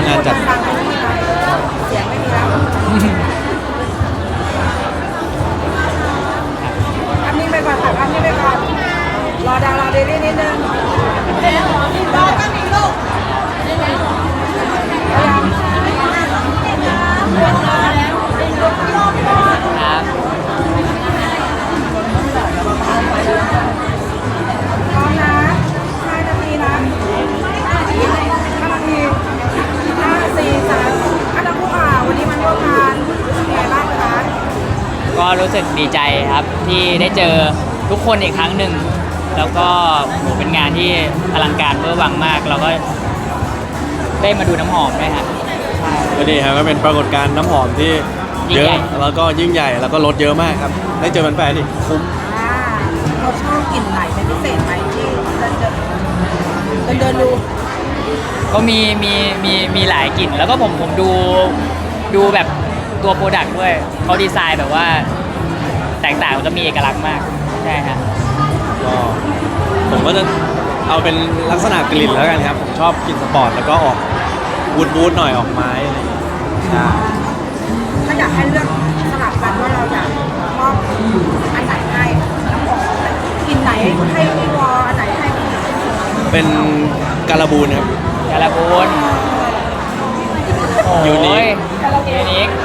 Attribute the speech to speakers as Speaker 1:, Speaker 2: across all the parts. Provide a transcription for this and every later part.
Speaker 1: งานจัด
Speaker 2: เสียงไม่มีแล้วอันนี้ไปก่อนค่ะอันนี้ไปก่อนรอดารอเดลี่นิดนึงรอก็มีลูก
Speaker 3: ครับ
Speaker 2: พร้อมนะ5 นาทีนะ5 นาที5 4 3อันดับผู้วันนี้มันร่วมงานเป็นไงบ้างคะ
Speaker 3: ก็รู้สึกดีใจครับที่ได้เจอทุกคนอีกครั้งหนึ่งแล้วก็โหเป็นงานที่อลังการเวอร์วังมากเราก็ได้มาดูน้ำหอมด้วยฮะใช่
Speaker 1: ก็ดีครับก็เป็นปรากฏการณ์น้ำหอมที่
Speaker 3: ยิ่
Speaker 1: เย
Speaker 3: งใหญ่
Speaker 1: อะแล้วก็ยิ่งใหญ่แล้วก็รถเยอะมากครับได้เจอแฟนๆอีกคุ้ม
Speaker 2: เราชอบกลิ่นไหนเป็นพิเศษไหมที่เดินดู
Speaker 3: ก็มีหลายกลิ่นแล้วก็ผมดูแบบตัวโปรดักต์ด้วยเขาดีไซน์แบบว่าแตกต่างแล้วก็มีเอกลักษณ์มากใช่ฮะ
Speaker 1: ก็ผมก็จะเอาเป็นลักษณะกลิ่นแล้วกันครับผมชอบกลิ่นสปอร์ตแล้วก็ออกวูดหน่อยออกไม้อะไรอย่างเงี้ยใช่
Speaker 2: ถ้าอยากให้เลือกสลับกันว่าเราอยากมอบอันไหนให้น้ำหอมกลิ่นไหนให้พี่วออันไหนให้พี่
Speaker 1: เป็นการบูนครับ
Speaker 3: กาลาบูนโอ้ย
Speaker 1: ยูนิค
Speaker 3: ยูนิค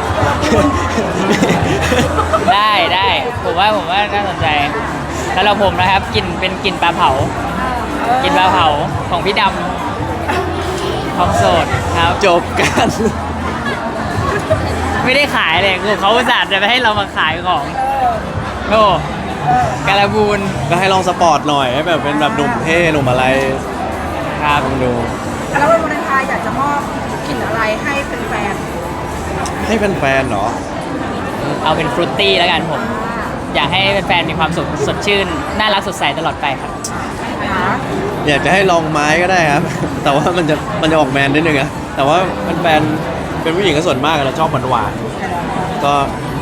Speaker 3: ได้ผมว่าน่าสนใจสำหรับผมนะครับกลิ่นเป็นกลิ่นปลาเผากลิ่นปลาเผาของพี่ดำของโสดครับ
Speaker 1: จบกัน
Speaker 3: ไม่ได้ขายเลยคือเขาอุตส่าห์จะไปให้เรามาขายของโอ้กาลาบูน
Speaker 1: ก็ให้ลองสปอร์ตหน่อยให้แบบเป็นแบบหนุ่มเท่หนุ่มอะไร
Speaker 3: ครับ
Speaker 1: ลองดู
Speaker 2: แล้ววันวาเลนไทน์อยากจะมอบกลิ่นอะไรให้เป็นแฟน
Speaker 1: ให้แฟนๆเหรอ
Speaker 3: เอาเป็นฟรุตตี้แล้วกันผม อยากให้แฟนๆมีความสุขสดชื่น น่ารักสดใสตลอดไปครับ
Speaker 1: อยากจะให้ลองไม้ก็ได้ครับ แต่ว่ามันจะออกแมนนิดนึงอะแต่ว่าแฟนๆเป็นผู้หญิงก็ส่วนมากเราชอบหวานๆก็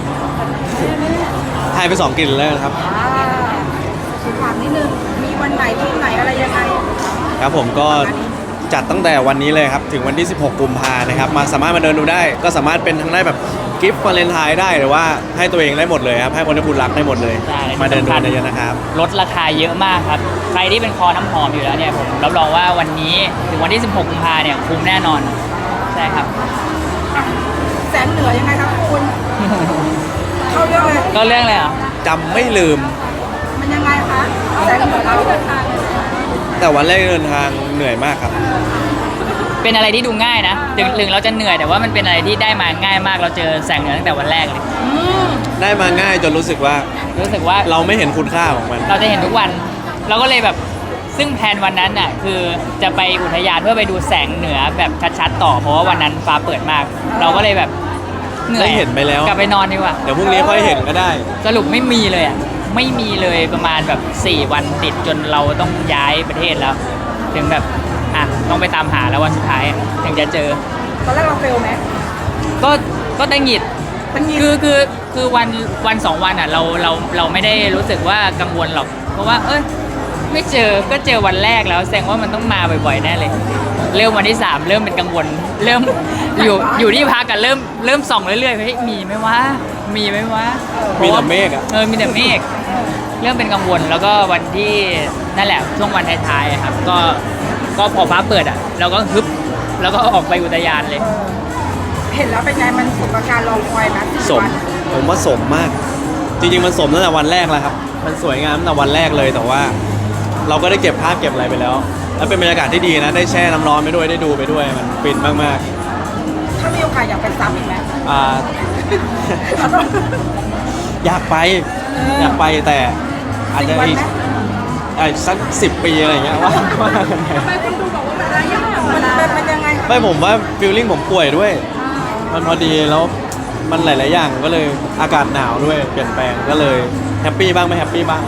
Speaker 1: ให้ไป2 กลิ่นแล้วกันครับ
Speaker 2: ถามนิดนึงมีวันไหนที่ไหนอะไรยังไง
Speaker 1: ครับผมก็จัดตั้งแต่วันนี้เลยครับถึงวันที่ 16 กุมภานะครับมาสามารถมาเดินดูได้ก็สามารถเป็นทั้งได้แบบกิฟต์วาเลนไทน์ได้หรือว่าให้ตัวเองได้หมดเลยครับให้คนที่คุณรักได้หมดเลย
Speaker 3: ได้
Speaker 1: มาเดินดู
Speaker 3: สำคัญ
Speaker 1: กันเยอะๆนะครับ
Speaker 3: ลดราคาเยอะมากครับ ใครที่เป็นคอน้ำหอมอยู่แล้วเนี่ยผมรับรองว่าวันนี้ถึงวันที่ 16 กุมภาเนี่ยคุ้มแน่นอน ใช่ครับ
Speaker 2: แสงเหนือยังไงครับคุณ เข้าเรื่องเลย
Speaker 3: ก็เรื่องเลยเหรอ
Speaker 1: จำไม่ลืม
Speaker 2: มันยังไงคะแสงเหนือเราเดินทาง
Speaker 1: แต่วันแรกเดินทางเหนื่อยมากครับ
Speaker 3: เป็นอะไรที่ดูง่ายนะถึงเราจะเหนื่อยแต่ว่ามันเป็นอะไรที่ได้มาง่ายมาก เราเจอแสงเหนือตั้งแต่วันแรกเลย
Speaker 1: ได้มาง่ายจนรู้สึกว่า
Speaker 3: รู้สึกว่า
Speaker 1: เราไม่เห็นคุณค่าของมัน
Speaker 3: เราจะเห็นทุกวัน เราก็เลยแบบซึ่งแผนวันนั้นน่ะคือจะไปอุทยานเพื่อไปดูแสงเหนือแบบชัดๆต่อเพราะว่าวันนั้นฟ้าเปิดมาก เราก็เลยแบบเหนื่อย
Speaker 1: ได้เห็นไปแล้ว
Speaker 3: กลับไปนอนดีกว่า
Speaker 1: เดี๋ยวพรุ่งนี้ค่อยเห็นก็ได้
Speaker 3: สรุปไม่มีเลยอ่ะไม่มีเลยประมาณแบบ4 วันติดจนเราต้องย้ายประเทศแล้ว ถึงแบบต้องไปตามหาแล้ววันสุดท้ายถึงจะเจอ
Speaker 2: ตอนแรกเราเฟลไหม
Speaker 3: ก็ได้หงิด
Speaker 2: มันหงิด
Speaker 3: คือวัน2 วันอ่ะเราไม่ได้รู้สึกว่ากังวลหรอก เพราะว่าไม่เจอก็เจอวันแรกแล้วแสดงว่ามันต้องมาบ่อยๆแน่เลย เริ่มวันที่ 3 เริ่มเป็นกังวล เริ่มอยู่ที่พักกันเริ่มส่องเรื่อยๆเฮ้ยมีไหมวะมีไหมวะ
Speaker 1: มีแต่เมฆอะ
Speaker 3: มีแต่เมฆเริ่มเป็นกังวลแล้วก็วันที่นั่นแหละช่วงวันท้ายๆอะครับก็พอฟ้าเปิดอ่ะเราก็ฮึบแล้วก็ออกไปอุทยานเลย
Speaker 2: เห็นแล้วเป็นไงมันสมกับการรอคอยนะ
Speaker 1: สมผมว่าสมมาก จริงๆมันสมตั้งแต่วันแรกแล้วครับ มันสวยงามตั้งแต่วันแรกเลยแต่ว่า เราก็ได้เก็บภาพเก็บอะไรไปแล้ว แล้วเป็นบรรยากาศที่ดีนะได้แช่น้ำร้อนไปด้วยได้ดูไปด้วยมันฟินมาก
Speaker 2: ถ้ามีโอกาสอยากไปซ้ำอีกไหม
Speaker 1: ๆอยากไปแต่อาจจะอีกสัก10 ปีอะไรอย่างเงี้ยว่ากันไป
Speaker 2: ทำไมคุณดูบอกว่ามันยากมันยังไง
Speaker 1: ไม่ผมว่าฟีลลิ่งผมป่วยด้วย มันพอดีแล้วมันหลายๆอย่างก็เลยอากาศหนาวด้วยเปลี่ยนแปลงก็เลยแฮปปี้บ้างไม่แฮปปี้บ้าง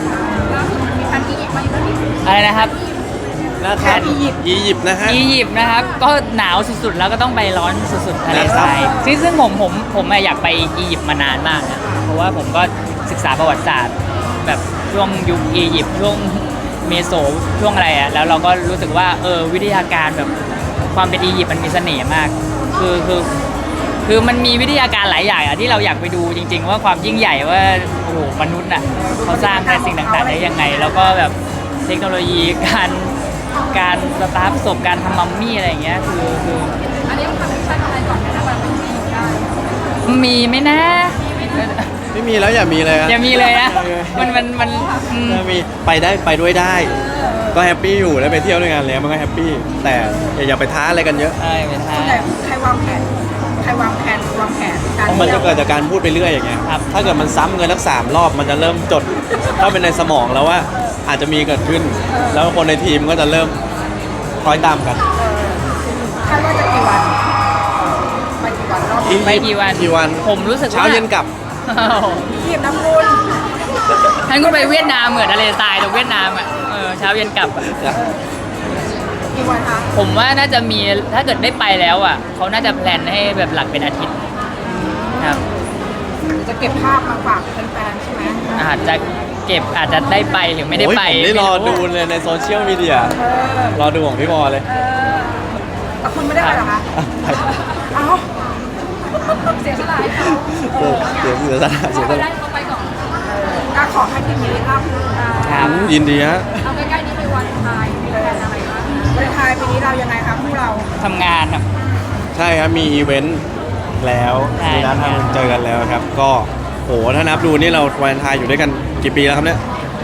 Speaker 3: อะไรนะครับ
Speaker 1: นะครับอียิปต์นะฮะ
Speaker 3: อียิปต์นะครับก็หนาวสุดๆแล้วก็ต้องไปร้อนสุดๆทะเลทรายซึ่งผมอยากไปอียิปต์มานานมากนะเพราะว่าผมก็ศึกษาประวัติศาสตร์ แบบช่วงยุคอียิปต์ช่วงเมโสช่วงอะไรอ่ะแล้วเราก็รู้สึกว่าวิทยาการแบบความเป็นอียิปต์มันมีเสน่ห์มากคือมันมีวิทยาการหลายอย่างอะที่เราอยากไปดูจริง ๆ ว่าความยิ่งใหญ่ว่าโอ้โหมนุษย์อ่ะเขาสร้างแต่สิ่งต่างๆได้ยังไง แล้วก็แบบเทคโนโลยีการสตาร์ทศพการทำมัมมี่อะไรอย่างเงี้ยคือ
Speaker 2: อันนี้ต้องทำมิชชั่นอะไรก่อนไหมนะแบบมันมีได้
Speaker 3: มีไหมนะ
Speaker 1: ไม่มีแล้วอย่ามีเลยอะ
Speaker 3: อย่ามีเลยนะมัน
Speaker 1: ถ้ามีไปด้วยได้ ก็แฮปปี้อยู่ได้ไปเที่ยวด้วยกันแล้วมันก็แฮปปี้แต่อย่าไปท้าอะไรกันเยอะ
Speaker 3: ใช่เป็นท่า
Speaker 2: ส่วนใหญ่ใครวางแผนการ
Speaker 1: เพราะมันจะเกิดจากการพูดไปเรื่อยอย่างเงี้ย
Speaker 3: ครับ
Speaker 1: ถ้าเกิดมันซ้ำเงินสัก3 รอบมันจะเริ่มจดเข้าไปในสมองแล้วว่าอาจจะมีเกิดขึ้น แล้วคนในทีมก็จะเริ่มคอยตามกัน
Speaker 2: คาดว่าจะกี่วันไปกี่วันรอบ
Speaker 3: ไปกี่วัน
Speaker 1: กี่วัน
Speaker 3: ผมรู้สึกว่า
Speaker 1: เช้าเย็นกลับ
Speaker 2: ทีมน้ำมูล
Speaker 3: ท่านคุณไปเวียดนามเหมือนทะเลทรายตรงเวียดนามอ่ะเช้าเย็นกลับอะ
Speaker 2: กี่วันคะ
Speaker 3: ผมว่าน่าจะมีถ้าเกิดได้ไปแล้วอ่ะเขาน่าจะแพลนให้แบบหลักเป็นอาทิตย์ครับ
Speaker 2: จะเก็บภาพมาฝากแฟนๆใช่ไหม
Speaker 3: อาจจะเก็บอาจจะได้ไปหรือไม่ได้ไป
Speaker 1: โอ้ยผมได้รอดูเลยในโซเชียลมีเดีย
Speaker 2: เออ
Speaker 1: รอดูของพี่บอลเลย
Speaker 2: แต่คุณไม่ได้ไปหรอคะเอ้าเสียสละให้เขา
Speaker 1: เสียสละเสียสละ
Speaker 2: เขาไปก่อนก็ขอให้ทีมนี้รับ
Speaker 3: ครับ
Speaker 1: ยินดีฮะ
Speaker 2: เอาใกล้ๆนี้ไปวันไทยมีแผนอะไรบ้างวันไทยปีนี้เรายังไงครับพวกเรา
Speaker 3: ทำงานครับ
Speaker 1: ใช่ครับมีอีเวนต์แล้ว
Speaker 3: ใช่
Speaker 1: มีนัดทำเจอกันแล้วครับ ก็โหถ้านับดูนี่เราวันไทายอยู่ด้วยกันกี่ปีแล้วครับเนี่ย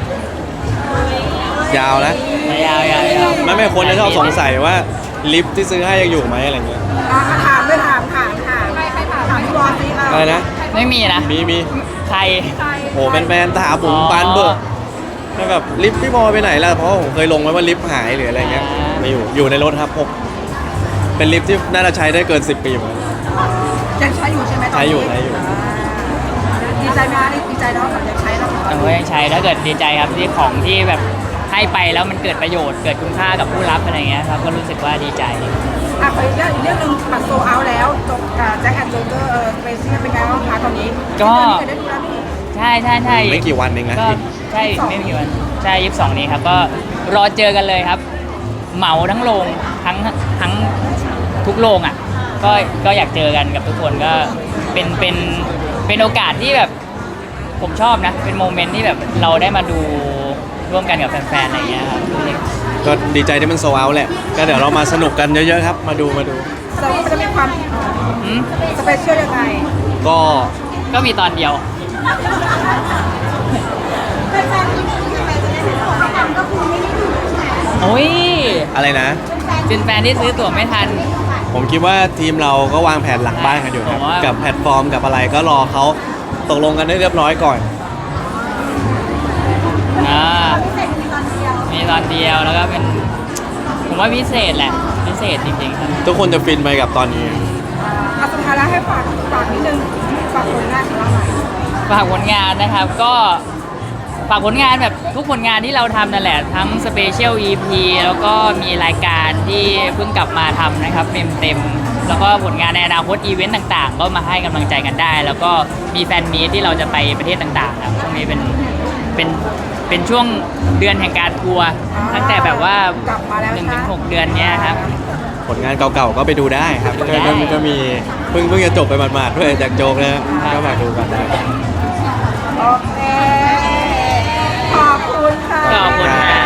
Speaker 1: ยาวแล้ว
Speaker 3: ยาวๆ
Speaker 1: ไม่คนจะชอบสงสัยว่าลิฟต์ที่ซื้อให้ยังอยู่ไหมอะไรเงี้ย
Speaker 2: ถามด้วยถามใครถามพี่บอลสิ
Speaker 1: อะไรนะ
Speaker 3: ไม่มีนะ
Speaker 1: มี
Speaker 3: ใคร
Speaker 1: โหแฟนๆถามผมปานเบิกแล้วแบบลิฟต์พี่บอลไปไหนล่ะเพราะผมเคยลงไว้ว่าลิฟต์หายหรืออะไรเงี้ยไม่อยู่ในรถครับผมเป็นลิฟต์ที่น่าจะใช้ได้เกิน10 ปีเหมือนกัน
Speaker 2: ยังใช้อยู่ใช่ไหมตอนนี้
Speaker 1: ใช้อยู่
Speaker 2: ดีใจไหมคะดีใจแล้วแบบยังใช้แล้ว
Speaker 3: เออยังใช้ถ้าเกิดดีใจครับที่ของที่แบบให้ไปแล้วมันเกิดประโยชน์เกิดคุณค่ากับผู้รับอะไรเงี้ยครับก็รู้สึกว่าดีใจ
Speaker 2: ขออีกเรื่องนึงบัตรโซเอาแล้วจบแจ็คแอนด์โจเกอร์สเปเชียลเป็นไงบ้างคะตอนนี้ได้ดูแล้วนี่
Speaker 3: ใช่
Speaker 1: ไม่กี่วันเองนะ
Speaker 3: ก็ใช่ไม่กี่วันใช่22นี้ครับก็รอเจอกันเลยครับ เหมาทั้งโรงทั้งทุกโรงอ่ะก็อยากเจอกันกับทุกคนก็เป็นโอกาสที่แบบผมชอบนะ เป็นโมเมนต์ที่แบบเราได้มาดูร่วมกันกับแฟนๆอะไรอย่างเงี้ยครับ
Speaker 1: ก็ดีใจที่มันโซเอาแหละ ก็เดี๋ยวเรามาสนุกกันเยอะๆครับ มาดู
Speaker 2: เราจะมีความ
Speaker 3: อืม
Speaker 2: สเปเชียลยังไง
Speaker 1: ก็
Speaker 3: ก็มีตอนเดียว
Speaker 2: แฟนๆที่จะได้ของให้ทำก็คือไม่ได้ดูใช่ไหม
Speaker 3: โอ้ย
Speaker 1: อะไรนะ
Speaker 3: เป็นแฟนที่ซื้อตั๋วไม่ทัน
Speaker 1: ผมคิดว่าทีมเราก็วางแผนหลังบ้านกันอยู่ครับ
Speaker 3: ผมว่า
Speaker 1: กับแพลตฟอร์มกับอะไรก็รอเขาตกลงกันได้เรียบร้อยก่อน
Speaker 3: มีตอนเดียวแล้วก็เป็นผมว่าพิเศษแหละพิเศษจริงๆครับ
Speaker 1: ทุกคนจะฟินไปกับตอนนี้
Speaker 2: สุดท้ายแล้วให้ฝากนิดนึงฝากผลงานของเราหน่อย
Speaker 3: ฝากผลงานนะครับก็ฝากผลงานแบบทุกผลงานที่เราทำนั่นแหละทั้งสเปเชียล EP แล้วก็มีรายการที่เพิ่งกลับมาทำนะครับเต็มแล้วก็ผลงานในอนาคตอีเวนต์ต่างๆ ก็มาให้กำลังใจกันได้ แล้วก็มีแฟนมีตที่เราจะไปประเทศต่างๆครับช่วงนี้เป็นช่วงเดือนแห่งการทัวร์ตั้งแต่แบบว่า
Speaker 2: กลับมาแล้ว
Speaker 3: 1-6 เดือนเนี้ยครับ
Speaker 1: ผลงานเก่าๆก็ไปดูได้ครับ
Speaker 3: ได้
Speaker 1: ก็มีเพิ่งจะจบไปหมาดๆด้วยจากโจ๊กนะก็ฝากดูกันได้
Speaker 2: โอเค ขอบคุณค่ะ
Speaker 3: ขอบคุณครับ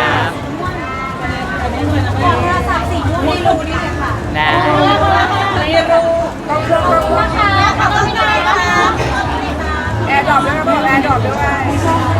Speaker 2: โทรศัพท์สีม่วงไม่รู้นี่เลยค่ะ
Speaker 3: นะ
Speaker 2: ไม่รู้ต้องเครื่องนะคะขอบคุณค่ะแอร์ดรอปด้วยครับแอร์ดรอปด้วย